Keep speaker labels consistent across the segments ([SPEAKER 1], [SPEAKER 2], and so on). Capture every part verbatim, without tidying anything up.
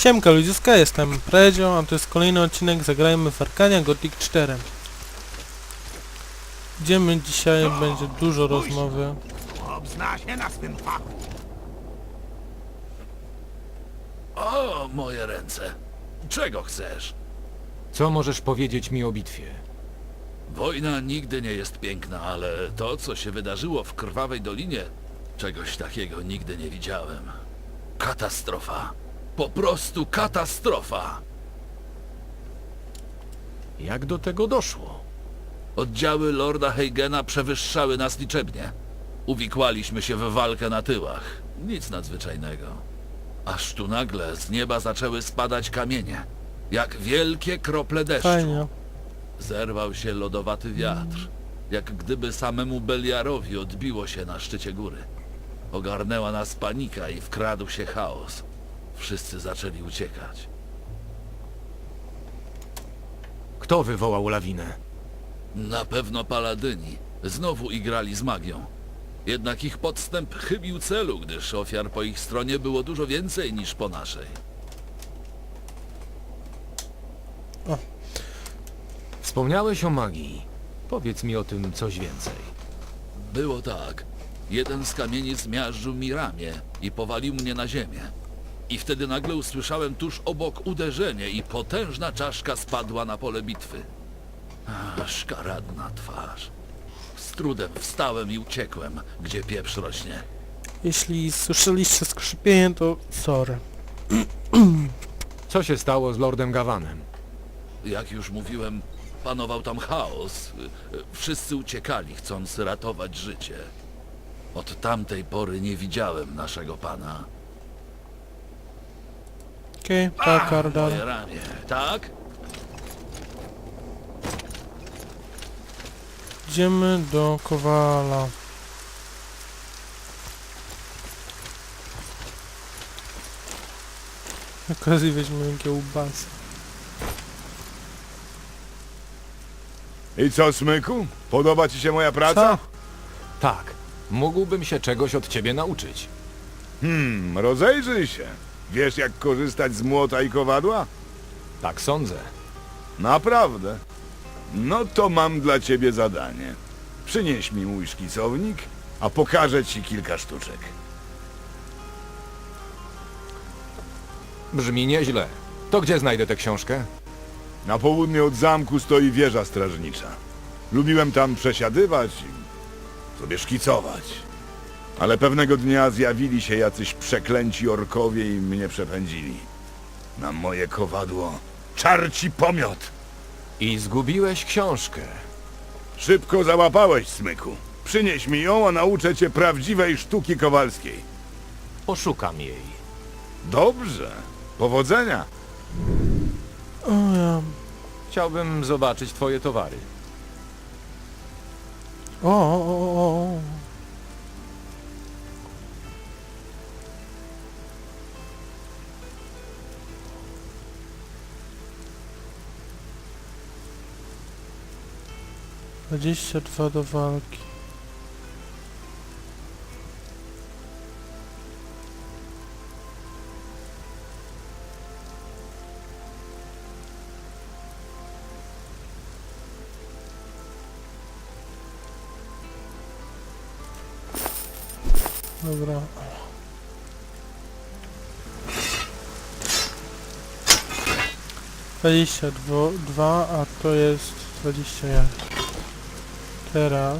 [SPEAKER 1] Siemka ludziska, jestem Predzio, a to jest kolejny odcinek Zagrajmy w Arcania Gothic cztery. Idziemy dzisiaj, będzie dużo rozmowy.
[SPEAKER 2] Obzna się na swym fachu.
[SPEAKER 3] O, moje ręce. Czego chcesz?
[SPEAKER 4] Co możesz powiedzieć mi o bitwie?
[SPEAKER 3] Wojna nigdy nie jest piękna, ale to, co się wydarzyło w Krwawej Dolinie, czegoś takiego nigdy nie widziałem. Katastrofa. Po prostu katastrofa.
[SPEAKER 4] Jak do tego doszło?
[SPEAKER 3] Oddziały Lorda Heigena przewyższały nas liczebnie. Uwikłaliśmy się w walkę na tyłach. Nic nadzwyczajnego. Aż tu nagle z nieba zaczęły spadać kamienie. Jak wielkie krople deszczu.
[SPEAKER 1] Fajnie.
[SPEAKER 3] Zerwał się lodowaty wiatr. Jak gdyby samemu Beliarowi odbiło się na szczycie góry. Ogarnęła nas panika i wkradł się chaos. Wszyscy zaczęli uciekać.
[SPEAKER 4] Kto wywołał lawinę?
[SPEAKER 3] Na pewno paladyni. Znowu igrali z magią. Jednak ich podstęp chybił celu, gdyż ofiar po ich stronie było dużo więcej niż po naszej.
[SPEAKER 4] Wspomniałeś o magii. Powiedz mi o tym coś więcej.
[SPEAKER 3] Było tak. Jeden z kamieni zmiażdżył mi ramię i powalił mnie na ziemię. I wtedy nagle usłyszałem tuż obok uderzenie i potężna czaszka spadła na pole bitwy. Ach, szkaradna twarz. Z trudem wstałem i uciekłem, gdzie pieprz rośnie.
[SPEAKER 1] Jeśli słyszeliście skrzypienie, to sorry.
[SPEAKER 4] Co się stało z Lordem Gavanem?
[SPEAKER 3] Jak już mówiłem, panował tam chaos. Wszyscy uciekali, chcąc ratować życie. Od tamtej pory nie widziałem naszego pana.
[SPEAKER 1] Okej, okay, tak, Ardan.
[SPEAKER 3] Moje ramię, tak?
[SPEAKER 1] Idziemy do Kowala. Na okazji weźmiemy kiełbasę.
[SPEAKER 2] I co, Smyku? Podoba ci się moja praca?
[SPEAKER 1] Co?
[SPEAKER 4] Tak. Mógłbym się czegoś od ciebie nauczyć.
[SPEAKER 2] Hmm, rozejrzyj się. Wiesz, jak korzystać z młota i kowadła?
[SPEAKER 4] Tak sądzę.
[SPEAKER 2] Naprawdę? No to mam dla ciebie zadanie. Przynieś mi mój szkicownik, a pokażę ci kilka sztuczek.
[SPEAKER 4] Brzmi nieźle. To gdzie znajdę tę książkę?
[SPEAKER 2] Na południe od zamku stoi wieża strażnicza. Lubiłem tam przesiadywać i sobie szkicować. Ale pewnego dnia zjawili się jacyś przeklęci orkowie i mnie przepędzili. Na moje kowadło czarci pomiot.
[SPEAKER 4] I zgubiłeś książkę.
[SPEAKER 2] Szybko załapałeś, Smyku. Przynieś mi ją, a nauczę cię prawdziwej sztuki kowalskiej.
[SPEAKER 4] Poszukam jej.
[SPEAKER 2] Dobrze. Powodzenia.
[SPEAKER 1] O ja.
[SPEAKER 4] Chciałbym zobaczyć twoje towary.
[SPEAKER 1] O, o, o, o. Dwadzieścia dwa do walki. Dobra. Dwadzieścia dwa, a to jest dwadzieścia jeden. Teraz.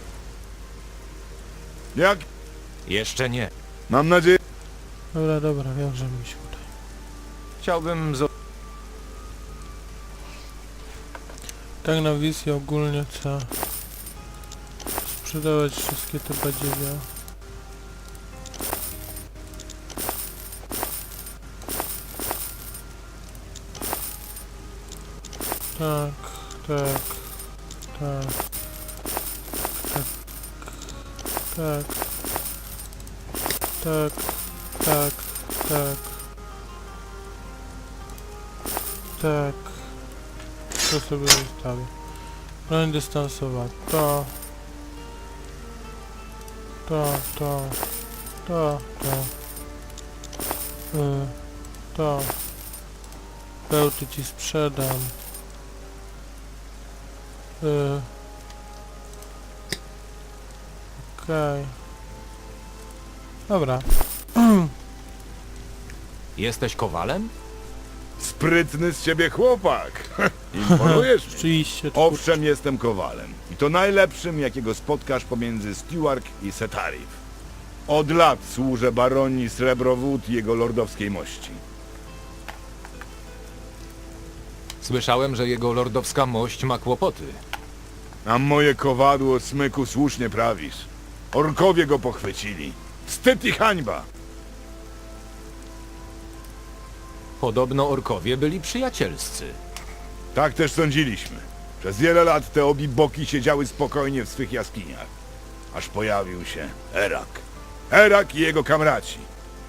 [SPEAKER 2] Jak?
[SPEAKER 4] Jeszcze nie.
[SPEAKER 2] Mam nadzieję...
[SPEAKER 1] Dobra, dobra, wiem, że mi się uda.
[SPEAKER 4] Chciałbym zo...
[SPEAKER 1] Tak na wizję ogólnie trzeba sprzedawać wszystkie te badziewia. Tak, tak, tak, tak, tak, tak, tak, tak, to sobie zostawię. Broń dystansowa, to, to, to, to, to, y, to, Pełty ci sprzedam. Yy. Okej. Dobra.
[SPEAKER 4] Jesteś kowalem?
[SPEAKER 2] Sprytny z ciebie chłopak. Imponujesz mi.
[SPEAKER 1] Rzeczywiście.
[SPEAKER 2] Owszem, jestem kowalem. I to najlepszym, jakiego spotkasz pomiędzy Stewart i Setarif. Od lat służę baronii Srebrowód i jego lordowskiej mości.
[SPEAKER 4] Słyszałem, że jego lordowska mość ma kłopoty.
[SPEAKER 2] A moje kowadło, Smyku, słusznie prawisz. Orkowie go pochwycili. Wstyd i hańba.
[SPEAKER 4] Podobno orkowie byli przyjacielscy.
[SPEAKER 2] Tak też sądziliśmy. Przez wiele lat te obie boki siedziały spokojnie w swych jaskiniach. Aż pojawił się Erak. Erak i jego kamraci.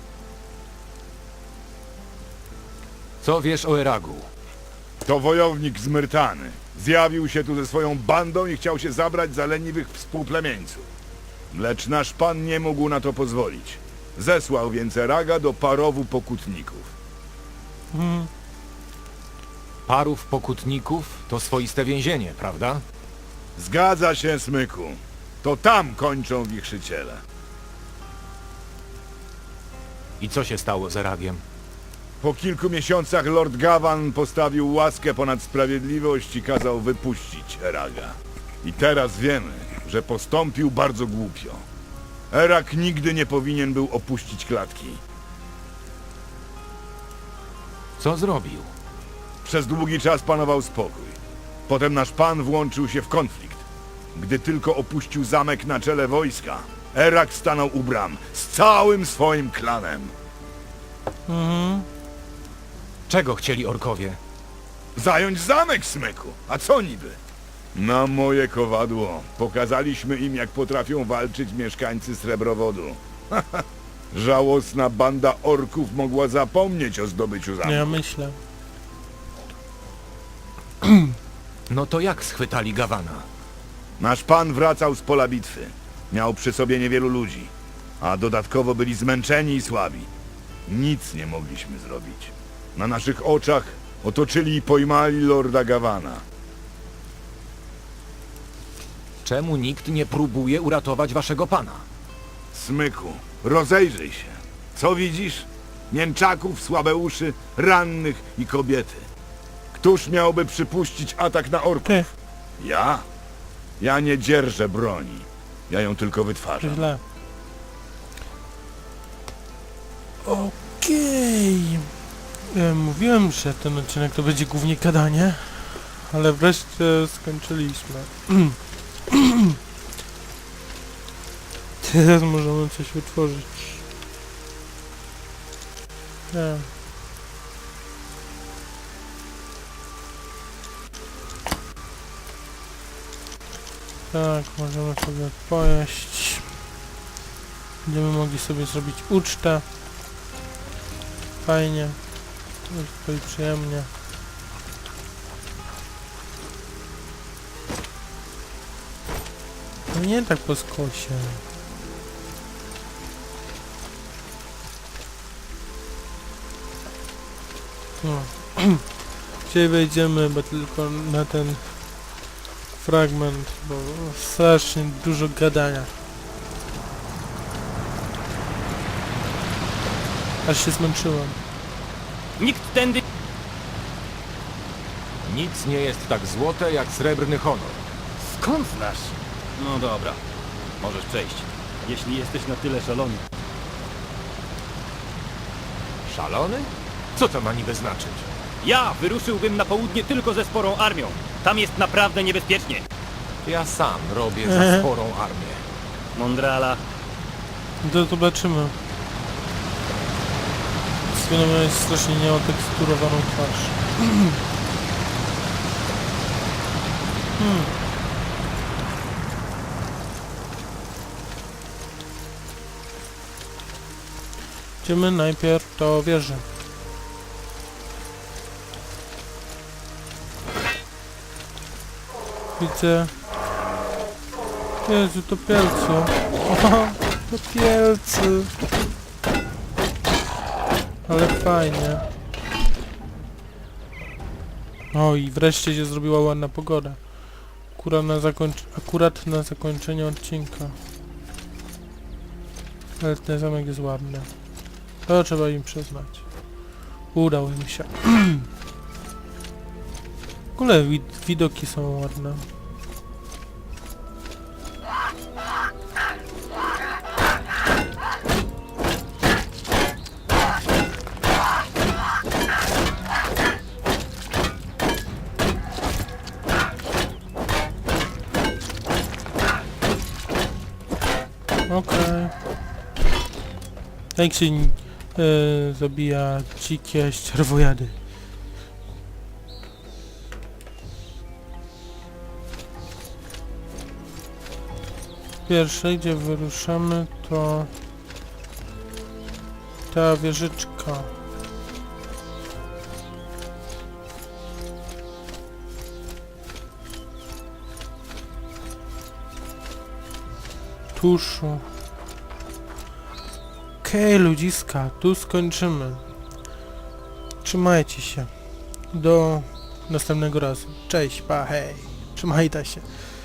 [SPEAKER 4] Co wiesz o Eragu?
[SPEAKER 2] To wojownik z Myrtany. Zjawił się tu ze swoją bandą i chciał się zabrać za leniwych współplemieńców. Lecz nasz pan nie mógł na to pozwolić. Zesłał więc Eraga do parowu pokutników.
[SPEAKER 1] Mhm.
[SPEAKER 4] Parów pokutników to swoiste więzienie, prawda?
[SPEAKER 2] Zgadza się, Smyku. To tam kończą wichrzyciele.
[SPEAKER 4] I co się stało z Eragiem?
[SPEAKER 2] Po kilku miesiącach Lord Gavan postawił łaskę ponad sprawiedliwość i kazał wypuścić Eraga. I teraz wiemy, że postąpił bardzo głupio. Erag nigdy nie powinien był opuścić klatki.
[SPEAKER 4] Co zrobił?
[SPEAKER 2] Przez długi czas panował spokój. Potem nasz pan włączył się w konflikt. Gdy tylko opuścił zamek na czele wojska, Erag stanął u bram z całym swoim klanem.
[SPEAKER 1] Mhm.
[SPEAKER 4] Czego chcieli orkowie?
[SPEAKER 2] Zająć zamek, Smyku! A co niby? Na moje kowadło. Pokazaliśmy im, jak potrafią walczyć mieszkańcy Srebrowodu. Żałosna banda orków mogła zapomnieć o zdobyciu zamku.
[SPEAKER 1] Ja myślę.
[SPEAKER 4] No to jak schwytali Gawana?
[SPEAKER 2] Nasz pan wracał z pola bitwy. Miał przy sobie niewielu ludzi. A dodatkowo byli zmęczeni i słabi. Nic nie mogliśmy zrobić. Na naszych oczach otoczyli i pojmali lorda Gawana.
[SPEAKER 4] Czemu nikt nie próbuje uratować waszego pana?
[SPEAKER 2] Smyku, rozejrzyj się. Co widzisz? Mięczaków, słabe uszy, rannych i kobiety. Któż miałby przypuścić atak na orków?
[SPEAKER 1] Ty,
[SPEAKER 2] Ja? Ja nie dzierżę broni. Ja ją tylko
[SPEAKER 1] to
[SPEAKER 2] wytwarzam.
[SPEAKER 1] źle. Okej. E, Mówiłem, że ten odcinek to będzie głównie gadanie, ale wreszcie skończyliśmy. Teraz możemy coś wytworzyć. Nie. Tak, możemy sobie pojeść. Będziemy mogli sobie zrobić ucztę. Fajnie. Jest tutaj przyjemnie. No nie tak po skosie. No. Dzisiaj wejdziemy bo tylko na ten fragment, bo strasznie dużo gadania. Aż się zmęczyłem.
[SPEAKER 5] Nikt tędy...
[SPEAKER 4] Nic nie jest tak złote jak srebrny honor.
[SPEAKER 5] Skąd znasz? No dobra, możesz przejść, jeśli jesteś na tyle szalony.
[SPEAKER 4] Szalony? Co to ma niby znaczyć?
[SPEAKER 5] Ja wyruszyłbym na południe tylko ze sporą armią. Tam jest naprawdę niebezpiecznie.
[SPEAKER 4] Ja sam robię za sporą armię.
[SPEAKER 5] Mondrala,
[SPEAKER 1] To zobaczymy. Swino miałeś strasznie nieoteksturowaną twarz. hmm. Idziemy najpierw do wieży. Widzę... Jezu, to pielcu. O, to pielcy. Ale fajnie. O i wreszcie się zrobiła ładna pogoda. Akurat na, zakończ akurat na zakończenie odcinka. Ale ten zamek jest ładny. To trzeba im przyznać. Udało im się. W ogóle wid widoki są ładne. Okej. Jak się e, zabija dzikie ścierwojady? Pierwsze, gdzie wyruszamy, to ta wieżyczka. Tuszu. Okej, okay, ludziska, tu skończymy. Trzymajcie się. Do następnego razu. Cześć, pa, hej. Trzymajcie się.